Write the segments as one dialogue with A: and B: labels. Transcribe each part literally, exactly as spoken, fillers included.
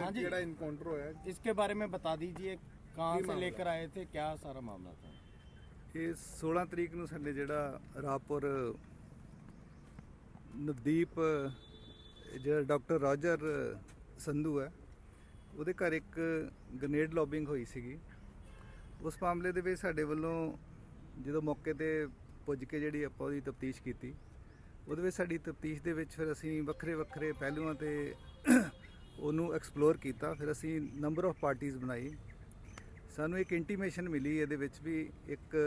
A: हाँ जी, इनकाउंटर होया, इसके बारे में बता दीजिए, कहाँ से लेकर आए थे, क्या सारा मामला था?
B: ये सोलह तरीक ਨੂੰ ਸਾਡੇ ਜਿਹੜਾ ਰਾਪੁਰ ਨਵਦੀਪ ਜਿਹੜਾ ਡਾਕਟਰ ਰਾਜਰ ਸੰਧੂ ਹੈ ਉਹਦੇ ਘਰ ਇੱਕ ਗ੍ਰੇਨੇਡ ਲੌਬਿੰਗ ਹੋਈ ਸੀਗੀ। ਉਸ ਮਾਮਲੇ ਦੇ ਵਿੱਚ ਸਾਡੇ ਵੱਲੋਂ ਜਦੋਂ ਮੌਕੇ ਤੇ ਪੁੱਜ ਕੇ ਜਿਹੜੀ ਆਪਾਂ ਉਹਦੀ ਤਫਤੀਸ਼ ਕੀਤੀ, ਉਹਦੇ ਵਿੱਚ ਸਾਡੀ ਤਫਤੀਸ਼ ਦੇ ਵਿੱਚ ਫਿਰ ਅਸੀਂ ਵੱਖਰੇ ਵੱਖਰੇ ਪਹਿਲੂਆਂ ਤੇ ਉਹਨੂੰ ਐਕਸਪਲੋਰ ਕੀਤਾ। ਫਿਰ ਅਸੀਂ ਨੰਬਰ ਆਫ ਪਾਰਟੀਜ਼ ਬਣਾਈ। ਸਾਨੂੰ ਇੱਕ ਇੰਟੀਮੇਸ਼ਨ ਮਿਲੀ ਇਹਦੇ ਵਿੱਚ ਵੀ ਇੱਕ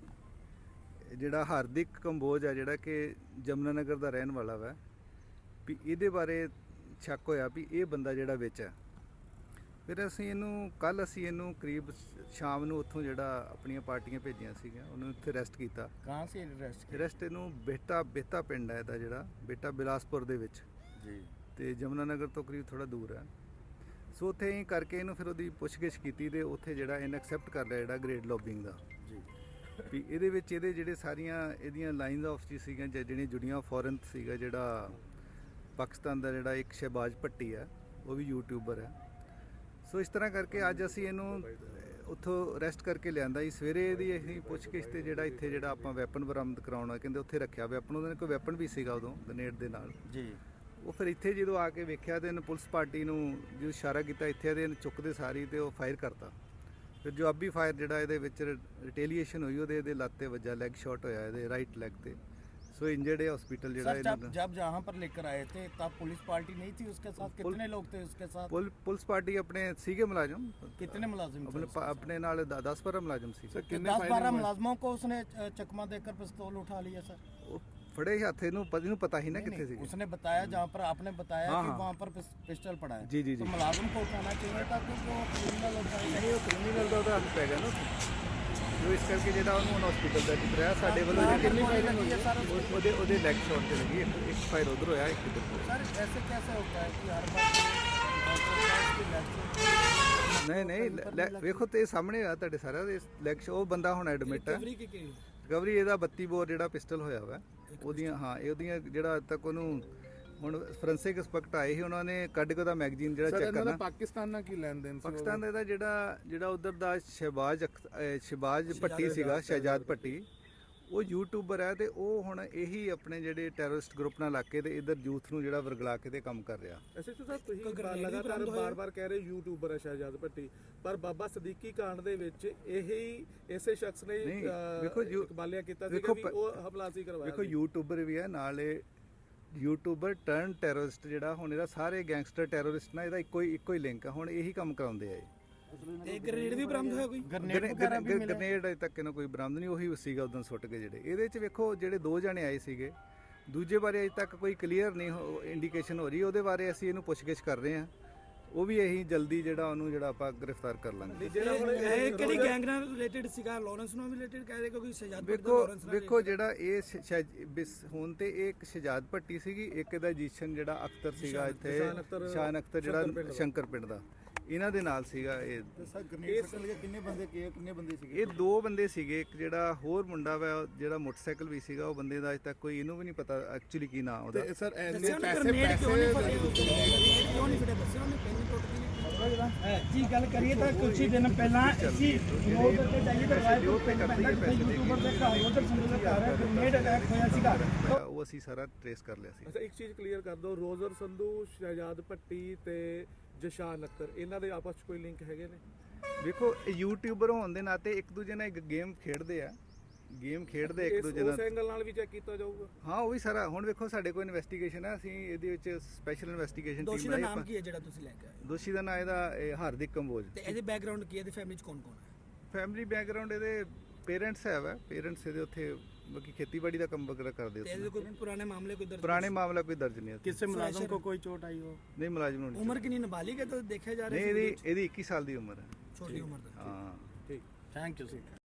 B: ਜਿਹੜਾ ਹਾਰਦਿਕ ਕੰਬੋਜ ਹੈ ਜਿਹੜਾ ਕਿ ਜਮਨਾ ਨਗਰ ਦਾ ਰਹਿਣ ਵਾਲਾ ਵਾ, ਵੀ ਇਹਦੇ ਬਾਰੇ ਸ਼ੱਕ ਹੋਇਆ ਵੀ ਇਹ ਬੰਦਾ ਜਿਹੜਾ ਵਿੱਚ ਹੈ। ਫਿਰ ਅਸੀਂ ਇਹਨੂੰ ਕੱਲ੍ਹ ਅਸੀਂ ਇਹਨੂੰ ਕਰੀਬ ਸ਼ਾਮ ਨੂੰ ਉੱਥੋਂ ਜਿਹੜਾ ਆਪਣੀਆਂ ਪਾਰਟੀਆਂ ਭੇਜੀਆਂ ਸੀਗੀਆਂ ਉਹਨੂੰ ਇੱਥੇ ਅਰੈਸਟ ਕੀਤਾ।
A: ਕਹਾਂ ਸੇ ਅਰੈਸਟ
B: ਅਰੈਸਟ ਇਹਨੂੰ ਬੇਟਾ ਬੇਤਾ ਪਿੰਡ ਹੈ ਇਹਦਾ, ਜਿਹੜਾ ਬੇਟਾ ਬਿਲਾਸਪੁਰ ਦੇ ਵਿੱਚ ਜੀ, ਤੇ ਜਮਨਾ ਨਗਰ ਤੋਂ ਕਰੀਬ ਥੋੜਾ ਦੂਰ ਹੈ। ਸੋ ਉੱਥੇ ਹੀ ਕਰਕੇ ਇਹਨੂੰ ਫਿਰ ਉਹਦੀ ਪੁੱਛਗਿੱਛ ਕੀਤੀ ਤੇ ਉੱਥੇ ਜਿਹੜਾ ਇਹਨੇ ਐਕਸੈਪਟ ਕਰ ਲਿਆ ਜਿਹੜਾ ਗ੍ਰੇਡ ਲੌਬਿੰਗ ਦਾ ਜੀ, ਵੀ ਇਹਦੇ ਵਿੱਚ ਇਹਦੇ ਜਿਹੜੇ ਸਾਰੀਆਂ ਇਹਦੀਆਂ ਲਾਈਨਸ ਆਫ ਜੀ ਸੀਗੀਆਂ ਜਿਹੜੀਆਂ ਜੁੜੀਆਂ। ਫੋਰਨ ਸੀਗਾ ਜਿਹੜਾ ਪਾਕਿਸਤਾਨ ਦਾ ਜਿਹੜਾ ਇੱਕ ਸ਼ਹਿਬਾਜ਼ ਭੱਟੀ ਹੈ, ਉਹ ਵੀ ਯੂਟਿਊਬਰ ਹੈ। ਸੋ ਇਸ ਤਰ੍ਹਾਂ ਕਰਕੇ ਅੱਜ ਅਸੀਂ ਇਹਨੂੰ ਉੱਥੋਂ ਅਰੈਸਟ ਕਰਕੇ ਲਿਆਂਦਾ ਜੀ। ਸਵੇਰੇ ਇਹਦੀ ਅਸੀਂ ਪੁੱਛਗਿੱਛ ਤੇ ਜਿਹੜਾ ਇੱਥੇ ਜਿਹੜਾ ਆਪਾਂ ਵੈਪਨ ਬਰਾਮਦ ਕਰਾਉਣਾ ਕਹਿੰਦੇ ਉੱਥੇ ਰੱਖਿਆ ਵੈਪਨ, ਉਹਦੇ ਕੋਈ ਵੈਪਨ ਵੀ ਸੀਗਾ ਉਦੋਂ ਗ੍ਰੇਨੇਡ ਦੇ ਨਾਲ ਜੀ। ਉਹ ਫਿਰ ਇੱਥੇ ਜਦੋਂ ਆ ਕੇ ਵੇਖਿਆ ਤੇ ਇਹਨੇ ਪੁਲਿਸ ਪਾਰਟੀ ਨੂੰ ਜੋ ਇਸ਼ਾਰਾ ਕੀਤਾ ਇੱਥੇ ਇਹਦੇ ਚੁੱਕਦੇ ਸਾਰੀ ਤੇ ਉਹ ਫਾਇਰ ਕਰਤਾ। ਫਿਰ ਜਵਾਬੀ ਫਾਇਰ ਜਿਹੜਾ ਇਹਦੇ ਵਿੱਚ ਰਿਟੇਲੀਏਸ਼ਨ ਹੋਈ, ਉਹਦੇ ਇਹਦੇ ਲੱਤ ਤੇ ਵੱਜਾ, ਲੈਗ ਸ਼ਾਟ ਹੋਇਆ ਇਹਦੇ ਰਾਈਟ ਲੈਗ ਤੇ। सो इंजर्ड है हॉस्पिटल
A: जरा जब जब जहाँ पर लेकर आए थे तब पुलिस पार्टी नहीं थी उसके साथ? कितने लोग थे उसके साथ?
B: पुल, पुलिस पार्टी अपने सीगे मुलाजिम।
A: कितने मुलाजिम
B: अपने अपने नाल दस बारह मुलाजिम सी।
A: दस बारह मुलाजिमों को उसने चकमा देकर पिस्तौल उठा लिया सर?
B: फड़े हाथ इन्हू पता ही ना कितने सी।
A: उसने बताया जहाँ पर आपने बताया कि वहाँ पर पिस्टल पड़ा है।
B: जी जी जी।
A: तो मुलाजिम को उठाना चाहिए था कि जो क्रिमिनल होता है
B: नहीं, वो क्रिमिनल का तो हाथ पै गया ना जो, इस करके ਜਿਹੜਾ ਉਹਨੂੰ ਹਸਪੀਟਲ ਦਾ ਜਿਕਰਿਆ ਸਾਡੇ ਵੱਲੋਂ ਕਿੰਨੀ ਫਾਇਰਿੰਗ ਹੋਈ ਹੈ ਸਰ? ਉਹਦੇ ਉਹਦੇ ਲੈਗ ਸ਼ਾਟ ਤੇ ਲੱਗੀ, ਇੱਕ ਫਾਇਰ ਉਧਰ ਹੋਇਆ, ਇੱਕ ਇੱਧਰ ਹੋਇਆ।
A: ਸਰ ਐਸੇ कैसे होता है कि हर बार
B: ਨਹੀਂ ਨਹੀਂ ਵੇਖੋ ਤੇ ਸਾਹਮਣੇ ਆ ਤੁਹਾਡੇ ਸਾਰਿਆਂ ਦੇ ਲੈਗ ਸ਼ਾਟ। ਉਹ ਬੰਦਾ ਹੁਣ ਐਡਮਿਟ ਹੈ। ਰਿਕਵਰੀ ਇਹਦਾ ਬੱਤੀ ਬੋਰ ਜਿਹੜਾ ਪਿਸਟਲ ਹੋਇਆ ਵਾ ਉਹਦੀਆਂ, ਹਾਂ ਇਹ ਉਹਦੀਆਂ ਜਿਹੜਾ ਅੱਜ ਤੱਕ ਉਹਨੂੰ ਹੁਣ ਫੋਰੈਂਸਿਕ ਇੰਸਪੈਕਟਰ ਆਏ ਸੀ, ਉਹਨਾਂ ਨੇ ਕੱਢ ਕੇ ਉਹਦਾ ਮੈਗਜ਼ੀਨ ਜਿਹੜਾ ਚੈੱਕ ਕਰਨਾ।
A: ਪਾਕਿਸਤਾਨ ਨਾਲ ਕੀ ਲੈਣ ਦੇਣ?
B: ਪਾਕਿਸਤਾਨ ਦਾ ਇਹਦਾ ਜਿਹੜਾ ਜਿਹੜਾ ਉਧਰ ਦਾ ਸ਼ਹਿਬਾਜ਼ ਸ਼ਹਿਬਾਜ਼ ਭੱਟੀ ਸੀਗਾ, ਸ਼ਹਿਜਾਦ ਭੱਟੀ, ਉਹ ਯੂਟਿਊਬਰ ਹੈ ਤੇ ਉਹ ਹੁਣ ਇਹੀ ਆਪਣੇ ਜਿਹੜੇ ਟੈਰਰਿਸਟ ਗਰੁੱਪ ਨਾਲ ਲੱਗ ਕੇ ਤੇ ਇਧਰ ਯੂਥ ਨੂੰ ਜਿਹੜਾ ਵਰਗਲਾ ਕੇ ਤੇ ਕੰਮ ਕਰ ਰਿਹਾ।
C: ਐਸਐਚਓ ਸਾਹਿਬ, ਤੁਸੀਂ ਲਗਾਤਾਰ ਬਾਰ-ਬਾਰ ਕਹਿ ਰਹੇ ਯੂਟਿਊਬਰ ਹੈ ਸ਼ਹਿਜਾਦ ਭੱਟੀ, ਪਰ ਬਾਬਾ ਸਦੀਕੀ ਕਾਂਡ ਦੇ ਵਿੱਚ ਇਹੀ ਇਸੇ ਸ਼ਖਸ ਨੇ ਇਕਬਾਲਿਆ ਕੀਤਾ ਸੀ ਕਿ ਉਹ ਹਮਲਾ ਸੀ ਕਰਵਾਇਆ।
B: ਦੇਖੋ ਯੂਟਿਊਬਰ ਵੀ ਹੈ ਨਾਲ, ਇਹ ਯੂਟਿਊਬਰ ਟਰਨ ਟੈਰਰਿਸਟ ਜਿਹੜਾ ਹੁਣ ਇਹਦਾ ਸਾਰੇ ਗੈਂਗਸਟਰ ਟੈਰਰਿਸਟ ਨਾਲ ਇਹਦਾ ਇੱਕੋ ਹੀ ਇੱਕੋ ਹੀ ਲਿੰਕ ਆ। ਹੁਣ ਇਹੀ ਕੰਮ ਕਰਾਉਂਦੇ ਆ।
A: ਇਹ ਗ੍ਰੇਨੇਡ ਵੀ ਬਰਾਮਦ ਹੋਇਆ? ਕੋਈ
B: ਗ੍ਰੇਨੇਡ ਅਜੇ ਤੱਕ ਇਹਨਾਂ ਕੋਈ ਬਰਾਮਦ ਨਹੀਂ, ਉਹੀ ਸੀਗਾ ਉਦੋਂ ਸੁੱਟ ਕੇ ਜਿਹੜੇ। ਇਹਦੇ ਚ ਵੇਖੋ ਜਿਹੜੇ ਦੋ ਜਣੇ ਆਏ ਸੀਗੇ, ਦੂਜੇ ਬਾਰੇ ਅਜੇ ਤੱਕ ਕੋਈ ਕਲੀਅਰ ਨਹੀਂ ਇੰਡੀਕੇਸ਼ਨ ਹੋ ਰਹੀ। ਉਹਦੇ ਬਾਰੇ ਅਸੀਂ ਇਹਨੂੰ ਪੁੱਛਗਿੱਛ ਕਰ ਰਹੇ ਹਾਂ। ਉਹ ਵੀ ਇਹੀ ਜਲਦੀ ਜਿਹੜਾ ਉਹਨੂੰ ਜਿਹੜਾ ਆਪਾਂ ਗ੍ਰਿਫਤਾਰ ਕਰ ਲਾਂਗੇ।
A: ਇਹ ਕਿਹੜੀ ਗੈਂਗ ਨਾਲ ਰਿਲੇਟਡ ਸੀਗਾ? ਲਾਰੈਂਸ ਨਾਲ ਵੀ ਰਿਲੇਟਡ ਕਹਿ ਰਹੇ ਕਿਉਂਕਿ ਸ਼ਹਿਜਾਦ ਭੱਟੀ
B: ਵੇਖੋ ਵੇਖੋ ਜਿਹੜਾ ਇਹ ਹੁਣ ਤੇ ਇਹ ਇੱਕ ਸ਼ਹਿਜਾਦ ਭੱਟੀ ਸੀਗੀ, ਇੱਕ ਇਹਦਾ ਜੀਸ਼ਨ ਜਿਹੜਾ ਅਖਤਰ ਸੀਗਾ ਇੱਥੇ, ਸ਼ਾਨ ਅਖਤਰ ਜਿਹੜਾ ਸ਼ੰਕਰ ਪਿੰਡ ਦਾ, ਇਹਨਾਂ ਦੇ ਨਾਲ ਸੀਗਾ ਇਹ।
A: ਕਿੰਨੇ ਬੰਦੇ ਕਿੰਨੇ ਬੰਦੇ ਸੀਗੇ?
B: ਇਹ ਦੋ ਬੰਦੇ ਸੀਗੇ। ਇੱਕ ਜਿਹੜਾ ਹੋਰ ਮੁੰਡਾ ਵਾ ਜਿਹੜਾ ਮੋਟਰਸਾਈਕਲ ਵੀ ਸੀਗਾ, ਉਹ ਬੰਦੇ ਦਾ ਅਜੇ ਤੱਕ ਕੋਈ ਇਹਨੂੰ ਵੀ ਨਹੀਂ ਪਤਾ ਐਕਚੁਅਲੀ ਕੀ ਨਾਂ ਉਹਦਾ।
A: ਸਰ ਪੈਸੇ ਪੈਸੇ ਕਿਉਂ ਨਹੀਂ ਫੜੇ? ਦੱਸਿਆ ਉਹਨੇ ਪੈਨ ਜੀ ਗੱਲ ਕਰੀਏ ਤਾਂ ਕੁਝ ਹੀ ਦਿਨ ਪਹਿਲਾਂ ਅਸੀਂ ਰੋਡ ਤੇ ਜਾਈਏ ਤਾਂ ਰਾਏਪੁਰ ਪਿੰਡ ਪੈਂਦਾ ਜਿੱਥੇ ਯੂਟਿਊਬਰ ਦੇ ਘਰ ਉਧਰ ਸੰਦੂ ਦੇ ਘਰ ਗ੍ਰੇਨੇਡ ਅਟੈਕ ਹੋਇਆ ਸੀਗਾ,
B: ਉਹ ਅਸੀਂ ਸਾਰਾ ਟ੍ਰੇਸ ਕਰ ਲਿਆ ਸੀ।
C: ਅੱਛਾ, ਇੱਕ ਚੀਜ਼ ਕਲੀਅਰ ਕਰ ਦਿਓ, ਰੋਜ਼ਰ ਸੰਧੂ, ਸ਼ਹਿਜਾਦ ਭੱਟੀ ਤੇ ਜਸ਼ਾਨ ਅਖਤਰ, ਇਹਨਾਂ ਦੇ ਆਪਸ 'ਚ ਕੋਈ ਲਿੰਕ ਹੈਗੇ ਨੇ?
B: ਵੇਖੋ ਯੂਟਿਊਬਰ ਹੋਣ ਦੇ ਨਾਤੇ ਇੱਕ ਦੂਜੇ ਨਾਲ ਇੱਕ ਗੇਮ ਖੇਡਦੇ ਆ, ਗੇਮ ਖੇਡਦੇ ਇੱਕ ਦੂਜੇ ਨਾਲ।
C: ਉਸ ਐਂਗਲ ਨਾਲ ਵੀ ਚੈੱਕ ਕੀਤਾ ਜਾਊਗਾ?
B: ਹਾਂ, ਉਹ ਵੀ ਸਾਰਾ ਹੁਣ ਵੇਖੋ ਸਾਡੇ ਕੋਲ ਇਨਵੈਸਟੀਗੇਸ਼ਨ ਹੈ, ਅਸੀਂ ਇਹਦੇ ਵਿੱਚ ਸਪੈਸ਼ਲ ਇਨਵੈਸਟੀਗੇਸ਼ਨ ਟੀਮ
A: ਦੋਸ਼ੀ ਦਾ ਨਾਮ ਕੀ ਹੈ ਜਿਹੜਾ ਤੁਸੀਂ ਲੈ ਕੇ ਆਏ?
B: ਦੋਸ਼ੀ ਦਾ ਨਾਮ ਇਹਦਾ ਹਾਰਦਿਕ ਕੰਬੋਜ।
A: ਤੇ ਇਹਦੇ ਬੈਕਗ੍ਰਾਉਂਡ ਕੀ ਹੈ? ਇਹਦੀ ਫੈਮਿਲੀ 'ਚ ਕੌਣ ਕੌਣ ਹੈ?
B: ਫੈਮਿਲੀ ਬੈਕਗ੍ਰਾਉਂਡ ਇਹਦੇ ਪੇਰੈਂਟਸ ਹੈ ਵਾ, ਪੇਰੈਂਟਸ ਇਹਦੇ ਉੱਥੇ ਬਾਕੀ ਖੇਤੀਬਾੜੀ ਦਾ ਕੰਮ ਵਗੈਰਾ ਕਰਦੇ
A: ਤੇ ਇਹਦੇ ਕੋਈ ਪੁਰਾਣੇ ਮਾਮਲੇ ਕੋਈ ਦਰਜ?
B: ਪੁਰਾਣੇ ਮਾਮਲਾ ਕੋਈ ਦਰਜ ਨਹੀਂ ਹੈ।
A: ਕਿਸੇ ਮੁਲਾਜ਼ਮ को कोई चोट आई हो?
B: नहीं, मुलाजिम नहीं।
A: उम्र कितनी नाबालिग है तो देखे जा रहे
B: हैं? नहीं, ਇਹਦੀ ਇੱਕੀ ਸਾਲ ਦੀ ਉਮਰ ਹੈ,
A: छोटी उम्र।
B: हाँ
A: ठीक, थैंक यू सर।